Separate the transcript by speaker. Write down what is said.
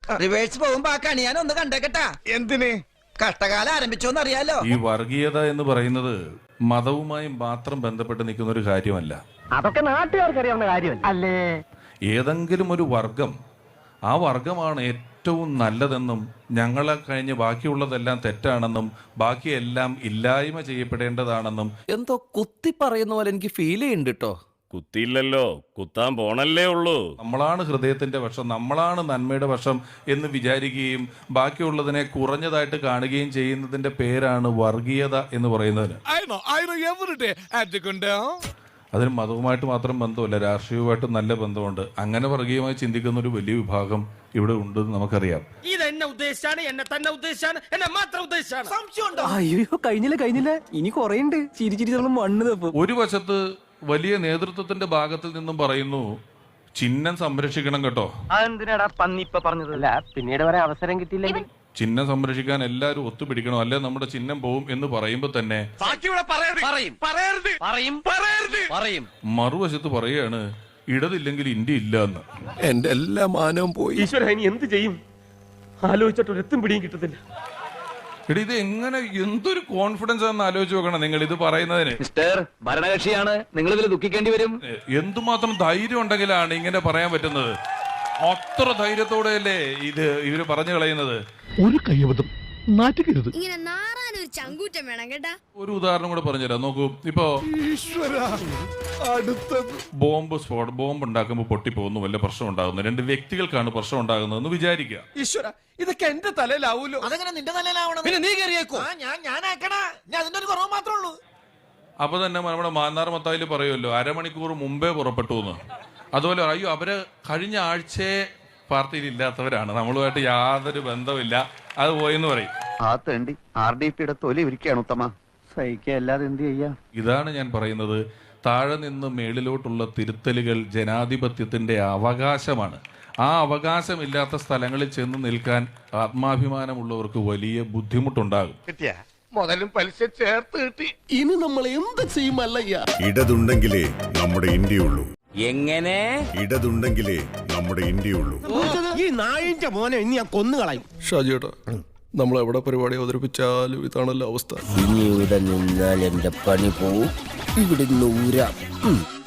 Speaker 1: Reverse പോകുമ്പോ ആ കണി ഞാൻ ഒന്ന് കണ്ടേക്കട്ടാ.
Speaker 2: എന്തിന്?
Speaker 1: കഷ്ടകാലം ആരംഭിച്ചോന്ന് അറിയാലോ.
Speaker 3: ഈ വർഗീയത എന്ന് പറയുന്നത് മതവുമായി മാത്രം ബന്ധപ്പെട്ട് നിൽക്കുന്ന ഒരു കാര്യമല്ല.
Speaker 4: അതൊക്കെ നാട്ടുകാർക്ക് അറിയാവുന്ന കാര്യമല്ല അല്ലേ?
Speaker 3: ഏതെങ്കിലും ഒരു വർഗം, ആ വർഗമാണ് ഏറ്റവും നല്ലതെന്നും ഞങ്ങളെ കഴിഞ്ഞ് ബാക്കിയുള്ളതെല്ലാം തെറ്റാണെന്നും ബാക്കിയെല്ലാം ഇല്ലായ്മ ചെയ്യപ്പെടേണ്ടതാണെന്നും
Speaker 5: എന്തോ കുത്തി പറയുന്ന പോലെ എനിക്ക് ഫീൽ ചെയ്യുന്നുണ്ട് കേട്ടോ.
Speaker 6: കുത്തിയില്ലല്ലോ, കുത്താൻ പോണല്ലേ ഉള്ളൂ.
Speaker 3: നമ്മളാണ് ഹൃദയത്തിന്റെ പക്ഷം, നമ്മളാണ് നന്മയുടെ പക്ഷം എന്ന് വിചാരിക്കുകയും ബാക്കിയുള്ളതിനെ കുറഞ്ഞതായിട്ട് കാണുകയും ചെയ്യുന്നതിന്റെ പേരാണ് വർഗീയത എന്ന് പറയുന്നതിന്. അതിന് മതവുമായിട്ട് മാത്രം ബന്ധമല്ല, രാഷ്ട്രീയവുമായിട്ട് നല്ല ബന്ധമുണ്ട്. അങ്ങനെ വർഗീയമായി ചിന്തിക്കുന്ന ഒരു വലിയ വിഭാഗം ഇവിടെ ഉണ്ടെന്ന് നമുക്കറിയാം.
Speaker 4: അയ്യോ കഴിഞ്ഞില്ല ഇനി കൊറേണ്ട്. ചിരിച്ചിരി നമ്മൾ മണ്ണ് തപ്പും.
Speaker 3: ഒരു വശത്ത് വലിയ നേതൃത്വത്തിന്റെ ഭാഗത്തിൽ നിന്നും പറയുന്നു ചിഹ്നം സംരക്ഷിക്കണം കേട്ടോ.
Speaker 4: അതെന്തിനാടാ പന്നി ഇപ്പൊ പറഞ്ഞത്? അല്ല പിന്നീട് വരെ അവസരം കിട്ടിയില്ലെങ്കിൽ
Speaker 3: ചിഹ്നം സംരക്ഷിക്കാൻ എല്ലാവരും ഒത്തുപിടിക്കണം, അല്ലെ നമ്മുടെ ചിഹ്നം പോവും എന്ന് പറയുമ്പോൾ തന്നെ മറുവശത്ത് പറയുകയാണ് ഇടതില്ലെങ്കിൽ ഇന്ത്യ ഇല്ല എന്ന്.
Speaker 2: എന്റെ എല്ലാ മാനവും പോയി.
Speaker 4: ഈശ്വര ഇനി എന്ത് ചെയ്യും? ആലോചിച്ചിട്ട് ഒരെത്തും പിടിയും കിട്ടത്തില്ല.
Speaker 3: എടി ഇത് എങ്ങനെ, എന്തൊരു കോൺഫിഡൻസ് ആണെന്ന് ആലോചിച്ച് നോക്കണം നിങ്ങൾ ഇത് പറയുന്നതിന്.
Speaker 5: മിസ്റ്റർ ഭരണകക്ഷിയാണ്, നിങ്ങൾ ഇതിൽ ദുഃഖിക്കേണ്ടി വരും.
Speaker 3: എന്തുമാത്രം ധൈര്യം ഉണ്ടെങ്കിലാണ് ഇങ്ങനെ പറയാൻ പറ്റുന്നത്. അത്ര ധൈര്യത്തോടെയല്ലേ ഇത് ഇവര് പറഞ്ഞു കളയുന്നത്.
Speaker 7: ഒരു കയ്യബദ്ധം നാറ്റുകരുത്.
Speaker 8: ഇങ്ങനെ നാറാനൊരു ചങ്കൂറ്റം വേണം കേട്ടാ.
Speaker 3: ഒരു ഉദാഹരണം കൂടെ പറഞ്ഞുതരാം. നോക്കൂ, ഇപ്പോ ബോംബ് ഉണ്ടാക്കുമ്പോൾ പൊട്ടിപ്പോകുന്നു, വല്ല പ്രശ്നം ഉണ്ടാകുന്നു, രണ്ട് വ്യക്തികൾക്കാണ് പ്രശ്നം ഉണ്ടാകുന്നതെന്ന് വിചാരിക്കുക.
Speaker 2: ഈശ്വര, ഇതൊക്കെ എന്റെ തലയിലാവൂലോ.
Speaker 1: അതെങ്ങനെ നിന്റെ തലയിലാവണം? പിന്നെ നീ കയറിയേക്കോ? ഞാൻ ആക്കണാ, ഞാൻ അതിന്റെ ഒരു കുറവ് മാത്രമേ ഉള്ളൂ.
Speaker 3: അപ്പൊ തന്നെ നമ്മുടെ മാന്നാർ മത്തായില് പറയുമല്ലോ അരമണിക്കൂർ മുമ്പേ പുറപ്പെട്ടു എന്ന്. അതുപോലെ അയ്യോ അവര് കഴിഞ്ഞ ആഴ്ചയെ പാർട്ടിയിൽ ഇല്ലാത്തവരാണ്, നമ്മളുമായിട്ട് യാതൊരു ബന്ധമില്ല, അത് പോയെന്ന് പറയും.
Speaker 9: ആ തേണ്ടി RDPയുടെ തൊലി ഇരിക്കുകയാണ് ഉത്തമ. സഹിക്കല്ലാതെ എന്ത് ചെയ്യാ?
Speaker 3: ഇതാണ് ഞാൻ പറയുന്നത്, താഴെ നിന്ന് മേളിലോട്ടുള്ള തിരുത്തലുകൾ ജനാധിപത്യത്തിന്റെ അവകാശമാണ്. ആ അവകാശമില്ലാത്ത സ്ഥലങ്ങളിൽ ചെന്ന് നിൽക്കാൻ ആത്മാഭിമാനമുള്ളവർക്ക് വലിയ ബുദ്ധിമുട്ടുണ്ടാകും.
Speaker 2: മുതലും പലിശ ചേർത്ത് കിട്ടി.
Speaker 7: ഇനി നമ്മൾ എന്ത് ചെയ്യുമല്ലയ്യ?
Speaker 10: ഇടതുണ്ടെങ്കിലേ നമ്മുടെ ഇന്ത്യയുള്ളൂ.
Speaker 5: എങ്ങനെ?
Speaker 10: ഇടതുണ്ടെങ്കിലേ നമ്മുടെ ഇന്ത്യയുള്ളൂ.
Speaker 7: ഈ നായിന്റെ മോനെ ഇനി ഞാൻ കൊന്നുകളയും.
Speaker 2: ഷാജിയേട്ടാ, നമ്മൾ എവിടെ പരിപാടി അവതരിപ്പിച്ചാലും ഇതാണല്ലോ അവസ്ഥ.
Speaker 5: ഇനി ഇവിടെ നിന്നാൽ എന്റെ പണി പോവും. ഇവിടെ നൂരാം.